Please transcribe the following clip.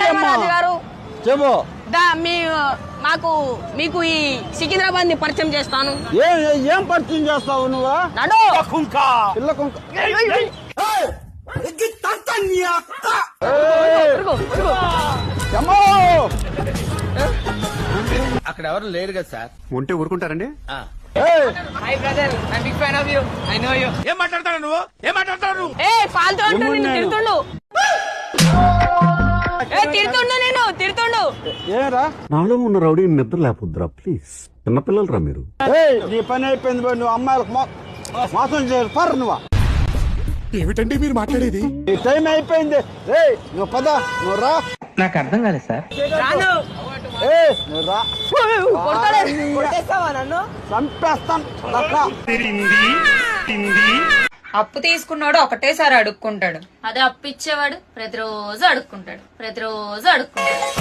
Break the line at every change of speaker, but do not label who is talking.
ధర్మరాజు గారు
చెప్పు.
మీకు ఈ సికింద్రాబాద్ ని పరిచయం చేస్తాను.
ఏం పరిచయం చేస్తావు నువ్వు?
నడు
పిల్ల కుంక.
అక్కడ ఎవరు లేరు కదా సార్.
ఉంటే ఊరుకుంటారండి.
Hi brother, I big fan of you. I know you.
ఏం మాట్లాడతాడు నువ్వు? ఏం మాట్లాడతాడు నువ్వు?
ఫాల్తూ అంటూ నిన్ను తిడుతుండు. నేను తిడుతుండు.
ఏరా
నాలో ఉన్న రౌడీ నిద్ర లేకపోద్దురా ప్లీజ్. చిన్నపిల్లలరా మీరు.
నీ పని అయిపోయింది పోయి. నువ్వు అమ్మాయిలకు మోసం చేయాలి నువ్వు.
ఏమిటండి మీరు మాట్లాడేది?
నీ టైం అయిపోయింది. నువ్వు పద, నువ్వు రా.
నాకు అర్థం కాలేదు సార్.
రాను.
నువ్వు రా.
కొట్టేస్తావా నన్ను?
చంపేస్తాను.
అప్పు తీసుకున్నాడు ఒకటేసారి అడుక్కుంటాడు.
అదే అప్పు ఇచ్చేవాడు ప్రతిరోజు అడుక్కుంటాడు.